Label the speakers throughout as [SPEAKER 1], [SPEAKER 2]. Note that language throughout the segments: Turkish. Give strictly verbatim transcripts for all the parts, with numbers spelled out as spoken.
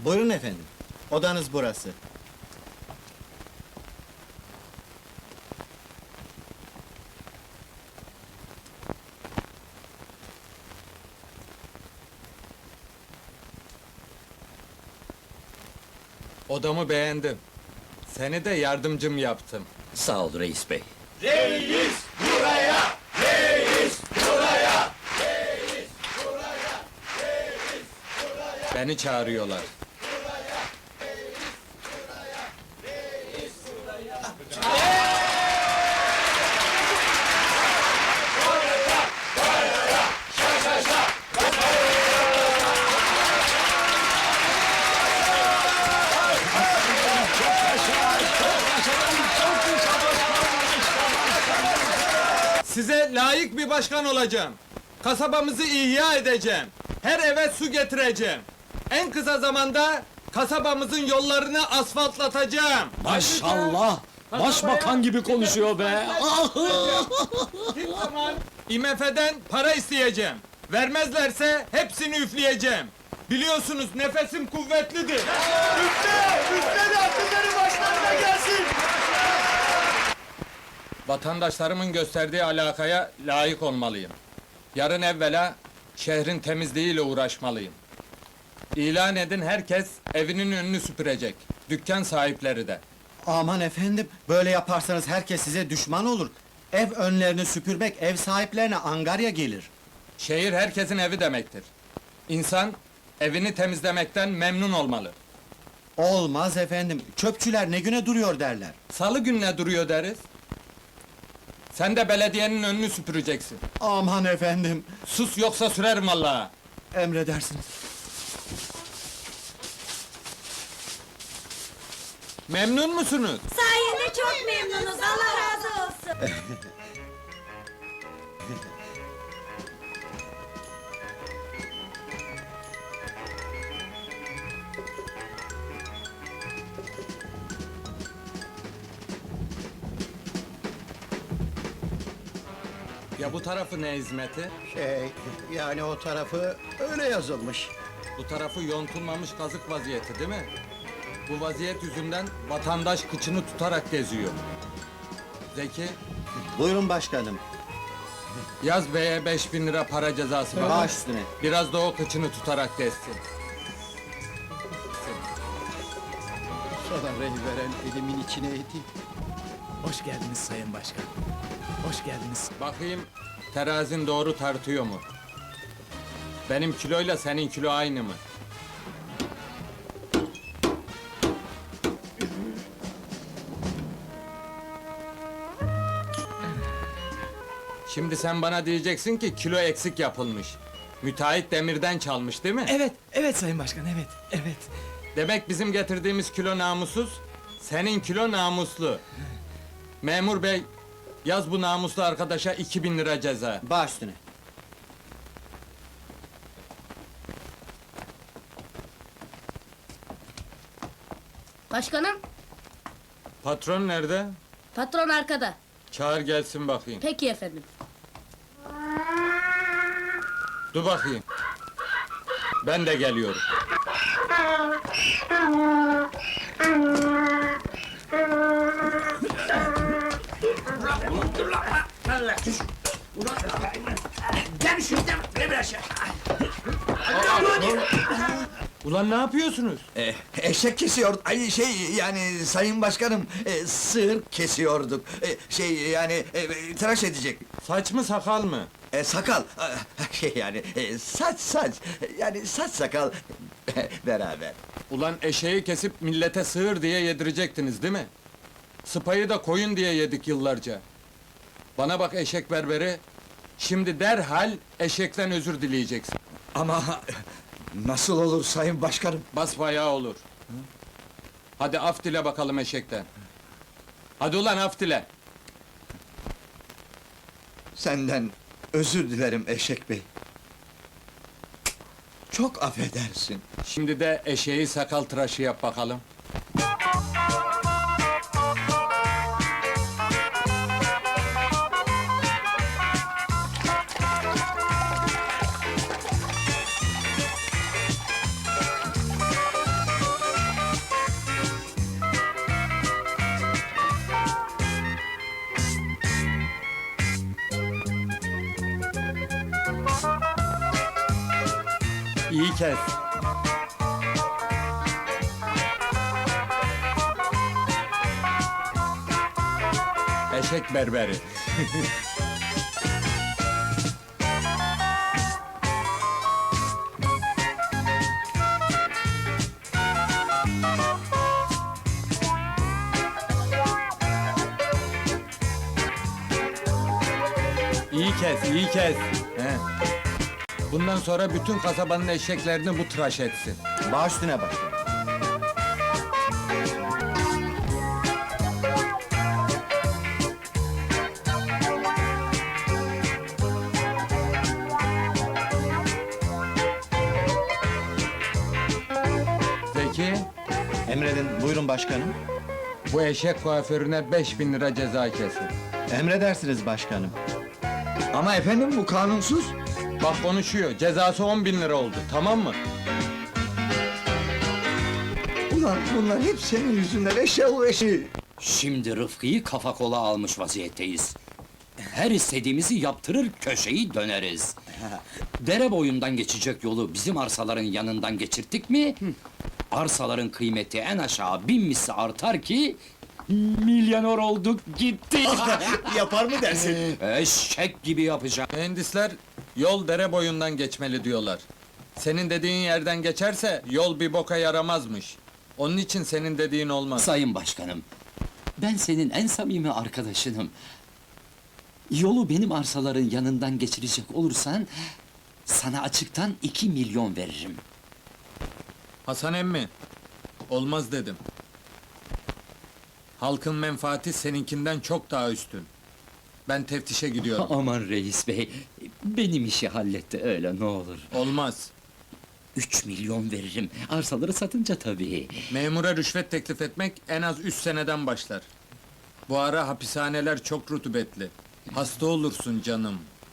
[SPEAKER 1] Buyurun efendim. Odanız burası.
[SPEAKER 2] Odamı beğendim. Seni de yardımcım yaptım.
[SPEAKER 3] Sağ ol reis bey.
[SPEAKER 2] Beni çağırıyorlar. Size layık bir başkan olacağım. Kasabamızı ihya edeceğim. Her eve su getireceğim. En kısa zamanda kasabamızın yollarını asfaltlatacağım.
[SPEAKER 4] Maşallah! Başbakan gibi konuşuyor be!
[SPEAKER 2] Kim zaman I M F'den para isteyeceğim. Vermezlerse hepsini üfleyeceğim. Biliyorsunuz nefesim kuvvetlidir. Üfle! Üfle de akılları başlarına gelsin! Vatandaşlarımın gösterdiği alakaya layık olmalıyım. Yarın evvela şehrin temizliğiyle uğraşmalıyım. İlan edin, herkes evinin önünü süpürecek. Dükkan sahipleri de.
[SPEAKER 1] Aman efendim, böyle yaparsanız herkes size düşman olur. Ev önlerini süpürmek, ev sahiplerine angarya gelir.
[SPEAKER 2] Şehir herkesin evi demektir. İnsan evini temizlemekten memnun olmalı.
[SPEAKER 1] Olmaz efendim, çöpçüler ne güne duruyor derler.
[SPEAKER 2] Salı gününe duruyor deriz. Sen de belediyenin önünü süpüreceksin.
[SPEAKER 1] Aman efendim,
[SPEAKER 2] Sus yoksa sürerim vallahi.
[SPEAKER 1] emredersiniz.
[SPEAKER 2] Memnun musunuz?
[SPEAKER 5] Sayende çok memnunuz, Allah razı olsun.
[SPEAKER 2] Ya bu tarafı ne hizmeti?
[SPEAKER 6] Şey, yani o tarafı öyle yazılmış.
[SPEAKER 2] Bu tarafı yontulmamış kazık vaziyeti değil mi? Bu vaziyet yüzünden vatandaş kıçını tutarak geziyor. Zeki,
[SPEAKER 1] Buyurun başkanım,
[SPEAKER 2] yaz beye beş bin lira para cezası var.
[SPEAKER 1] baş üstüne.
[SPEAKER 2] Biraz da o kıçını tutarak gezsin.
[SPEAKER 6] Sana rey veren elimin içine edeyim.
[SPEAKER 4] Hoş geldiniz Sayın Başkan. Hoş geldiniz.
[SPEAKER 2] Bakayım, terazin doğru tartıyor mu? Benim kiloyla senin kilo aynı mı? Şimdi sen bana diyeceksin ki kilo eksik yapılmış. Müteahhit demirden çalmış değil mi?
[SPEAKER 4] Evet, evet Sayın Başkan, evet, evet.
[SPEAKER 2] Demek bizim getirdiğimiz kilo namussuz, senin kilo namuslu. Memur bey, yaz bu namuslu arkadaşa iki bin lira ceza.
[SPEAKER 1] Baş üstüne.
[SPEAKER 5] Başkanım,
[SPEAKER 2] Patron nerede?
[SPEAKER 5] patron arkada.
[SPEAKER 2] Çağır gelsin bakayım.
[SPEAKER 5] Peki efendim.
[SPEAKER 2] Dur bakayım. Ben de geliyorum. Ulan ne yapıyorsunuz?
[SPEAKER 7] E, eşek kesiyor, ay şey yani sayın başkanım, e, sığır kesiyorduk. E, şey yani e, tıraş edecek.
[SPEAKER 2] Saç mı sakal mı?
[SPEAKER 7] E, sakal, e, şey yani e, saç saç, yani saç sakal beraber.
[SPEAKER 2] Ulan eşeği kesip millete sığır diye yedirecektiniz değil mi? Sıpayı da koyun diye yedik yıllarca. Bana bak eşek berberi, şimdi derhal eşekten özür dileyeceksin.
[SPEAKER 7] Ama nasıl olur sayın başkanım?
[SPEAKER 2] Basbayağı olur. Hadi af dile bakalım eşekten. Hadi ulan af dile.
[SPEAKER 7] Senden özür dilerim eşek bey. Çok affedersin.
[SPEAKER 2] Şimdi de eşeği sakal tıraşı yap bakalım. İyi kes. Eşek berberi. İyi kes, iyi kes. He. Bundan sonra bütün kasabanın eşeklerini bu tıraş etsin.
[SPEAKER 1] Baş üstüne başkanım.
[SPEAKER 2] Peki,
[SPEAKER 1] Emredin, buyurun başkanım.
[SPEAKER 2] bu eşek kuaförüne beş bin lira ceza kesin.
[SPEAKER 1] Emredersiniz başkanım.
[SPEAKER 7] Ama efendim bu kanunsuz.
[SPEAKER 2] Bak konuşuyor, cezası on bin lira oldu, tamam mı?
[SPEAKER 7] Ulan bunlar hep senin yüzünden eşyalı eşi.
[SPEAKER 3] Şimdi Rıfkı'yı kafa kola almış vaziyetteyiz. Her istediğimizi yaptırır, köşeyi döneriz. Dere boyundan geçecek yolu bizim arsaların yanından geçirttik mi... ...arsaların kıymeti en aşağı bin misli artar ki... ...milyoner olduk gitti.
[SPEAKER 6] Yapar mı dersin?
[SPEAKER 3] Eşek gibi yapacağım.
[SPEAKER 2] Mühendisler, yol dere boyundan geçmeli diyorlar. Senin dediğin yerden geçerse, yol bir boka yaramazmış. Onun için senin dediğin olmaz.
[SPEAKER 3] Sayın Başkanım, ben senin en samimi arkadaşınım. Yolu benim arsaların yanından geçirecek olursan... ...sana açıktan iki milyon veririm.
[SPEAKER 2] Hasan emmi, olmaz dedim. Halkın menfaati seninkinden çok daha üstün. Ben teftişe gidiyorum.
[SPEAKER 3] Aman reis bey, benim işi halletti öyle ne olur.
[SPEAKER 2] Olmaz.
[SPEAKER 3] Üç milyon veririm, arsaları satınca tabii.
[SPEAKER 2] Memura rüşvet teklif etmek en az üç seneden başlar. Bu ara hapishaneler çok rutubetli. Hasta olursun canım.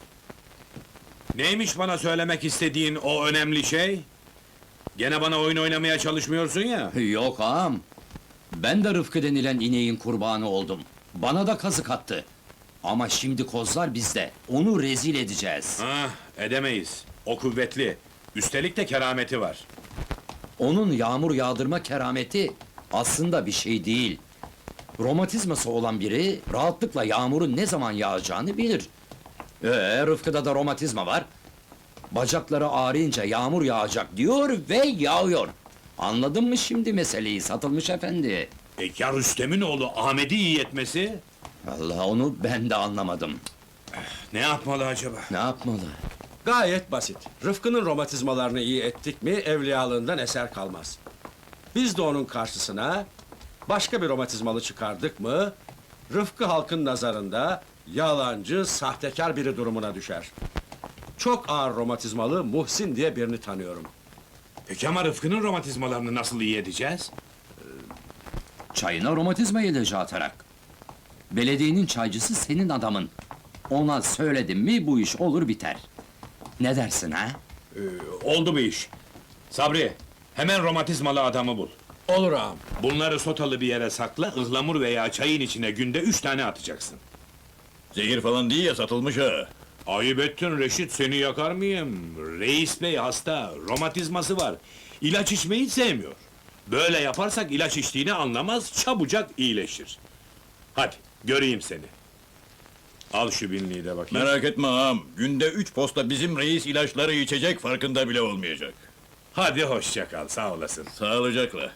[SPEAKER 8] Neymiş bana söylemek istediğin o önemli şey? Gene bana oyun oynamaya çalışmıyorsun ya.
[SPEAKER 3] Yok ağam, ben de Rıfkı denilen ineğin kurbanı oldum. Bana da kazık attı. Ama şimdi kozlar bizde, onu rezil edeceğiz.
[SPEAKER 8] Ah, edemeyiz. O kuvvetli. Üstelik de kerameti var.
[SPEAKER 3] Onun yağmur yağdırma kerameti aslında bir şey değil. Romatizması olan biri rahatlıkla yağmurun ne zaman yağacağını bilir. Ee, Rıfkı'da da romatizma var. Bacakları ağrıyınca yağmur yağacak diyor ve yağıyor. Anladın mı şimdi meseleyi Satılmış efendi?
[SPEAKER 8] E ya Rüstem'in oğlu Ahmet'i iyi etmesi?
[SPEAKER 3] Allah onu ben de anlamadım.
[SPEAKER 8] Ne yapmalı acaba?
[SPEAKER 3] Ne yapmalı?
[SPEAKER 6] Gayet basit. Rıfkı'nın romatizmalarını iyi ettik mi evliyalığından eser kalmaz. Biz de onun karşısına başka bir romatizmalı çıkardık mı Rıfkı halkın nazarında yalancı, sahtekar biri durumuna düşer. Çok ağır romatizmalı Muhsin diye birini tanıyorum.
[SPEAKER 8] Peki ama Rıfkı'nın romatizmalarını nasıl iyi edeceğiz?
[SPEAKER 3] Çayına romatizma ilacı atarak. Belediyenin çaycısı senin adamın. Ona söyledim mi bu iş olur biter. Ne dersin ha?
[SPEAKER 8] Ee, oldu bu iş. Sabri, hemen romatizmalı adamı bul.
[SPEAKER 6] Olur ağam.
[SPEAKER 8] Bunları sotalı bir yere sakla, ıhlamur veya çayın içine günde üç tane atacaksın.
[SPEAKER 9] Zehir falan değil ya, satılmış ha.
[SPEAKER 8] Ayıp ettin Reşit, seni yakar mıyım? Reis bey hasta, romatizması var. İlaç içmeyi sevmiyor. Böyle yaparsak ilaç içtiğini anlamaz, çabucak iyileşir. Hadi, göreyim seni. Al şu binliği de bakayım.
[SPEAKER 9] Merak etme ağam, günde üç posta bizim reis ilaçları içecek, farkında bile olmayacak.
[SPEAKER 8] Hadi hoşça kal, sağ olasın.
[SPEAKER 9] Sağlıcakla.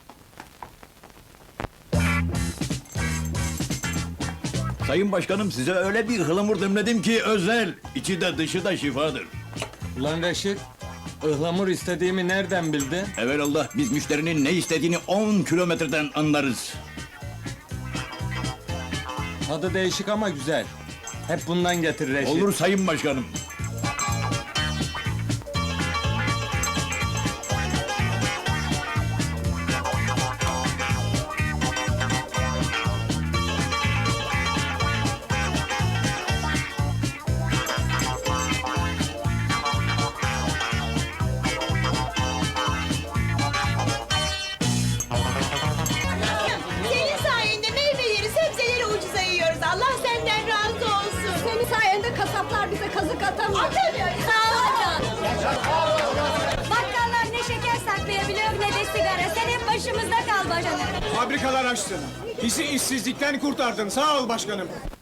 [SPEAKER 9] Sayın başkanım, size öyle bir ıhlamur demledim ki özel, içi de dışı da şifadır.
[SPEAKER 2] Ulan Reşit, ıhlamur istediğimi nereden bildin?
[SPEAKER 9] Evelallah, biz müşterinin ne istediğini on kilometreden anlarız.
[SPEAKER 2] Tadı değişik ama güzel. Hep bundan getir Reşit.
[SPEAKER 9] Olur sayın başkanım.
[SPEAKER 10] Senin sayende meyveleri, sebzeleri ucuza yiyoruz. Allah senden razı olsun. Senin sayende kasaplar bize kazık atamıyor. Atamıyor. Sağ ol. Bakkallar
[SPEAKER 5] başımızda kal başkanım.
[SPEAKER 2] Fabrikalar açtın. Bizi işsizlikten kurtardın. Sağ ol başkanım.